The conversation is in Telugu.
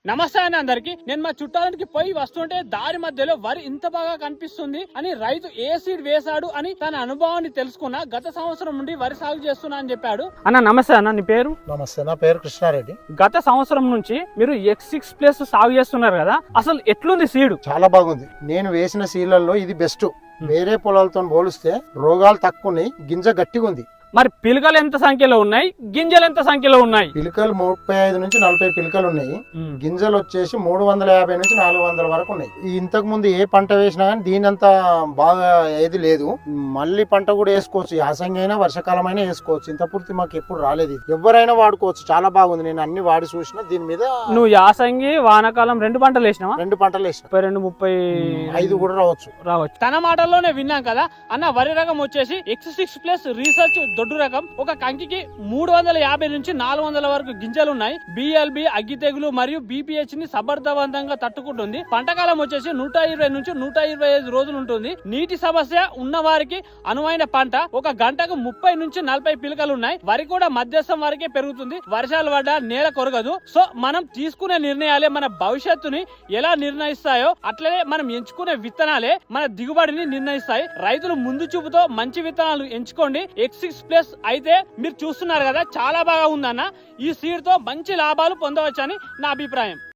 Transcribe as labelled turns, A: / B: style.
A: నమస్తే అని అందరికి. నేను మా చుట్టాలకి పోయి వస్తుంటే దారి మధ్యలో వరి ఇంత బాగా కనిపిస్తుంది అని రైతు ఏ సీడ్ వేశాడు అని తన అనుభవాన్ని తెలుసుకున్నా. గత సంవత్సరం నుండి వరి సాగు చేస్తున్నా అని చెప్పాడు. అన్న నమస్తే అన్న, నీ పేరు?
B: నమస్తే, నా పేరు కృష్ణారెడ్డి.
A: గత సంవత్సరం నుంచి మీరు X6+ సాగు చేస్తున్నారు కదా, అసలు ఎట్లుంది సీడ్?
B: చాలా బాగుంది. నేను వేసిన సీడ్లలో ఇది బెస్ట్. వేరే పొలాలతో పోలిస్తే రోగాలు తక్కువ ఉన్నాయి, గింజ గట్టిగా ఉంది.
A: మరి పిలకలు ఎంత సంఖ్యలో ఉన్నాయి, గింజలు ఎంత సంఖ్యలో ఉన్నాయి?
B: పిలకలు 35 నుంచి 40 పిలకలు ఉన్నాయి. గింజలు వచ్చేసి 350 నుంచి 400 వరకు ఉన్నాయి. ఇంతకు ముందు ఏ పంట వేసినా కానీ దీనంత బాగా ఏది లేదు. మళ్ళీ పంట కూడా వేసుకోవచ్చు, యాసంగి అయినా వర్షాకాలం అయినా వేసుకోవచ్చు. ఇంత పూర్తి మాకు ఎప్పుడు రాలేదు. ఎవరైనా వాడుకోవచ్చు, చాలా బాగుంది. నేను అన్ని వాడి చూసిన. దీని మీద
A: నువ్వు యాసంగి వానాకాలం 2 పంటలు వేసినావా?
B: 2 పంటలు వేసిన.
A: 32-35
B: కూడా రావచ్చు.
A: తన మాటల్లోనే విన్నాం కదా అన్న. వరి రకం వచ్చేసి X6+ రీసెర్చ్ దొడ్డు రకం. ఒక కంకికి 350 నుంచి 400 వరకు గింజలు ఉన్నాయి. BLB అగ్గి తెగులు మరియు BPH ని సమర్థవంతంగా తట్టుకుంటుంది. పంటకాలం వచ్చేసి 120 నుంచి 125 రోజులు ఉంటుంది. నీటి సమస్య ఉన్న వారికి అనువైన పంట. ఒక గంటకు 30 నుంచి 40 పిలకలు ఉన్నాయి. వరి కూడా మధ్యస్థం వరకే పెరుగుతుంది. వర్షాలు పడ్డా నేల కొరగదు. సో మనం తీసుకునే నిర్ణయాలే మన భవిష్యత్తుని ఎలా నిర్ణయిస్తాయో, అట్లనే మనం ఎంచుకునే విత్తనాలే మన దిగుబడిని నిర్ణయిస్తాయి. రైతులు ముందు చూపుతో మంచి విత్తనాలు ఎంచుకోండి. X6+ అయితే మీరు చూస్తున్నారు కదా, చాలా బాగా ఉందన్న. ఈ సీడ్ తో మంచి లాభాలు పొందవచ్చని నా అభిప్రాయం.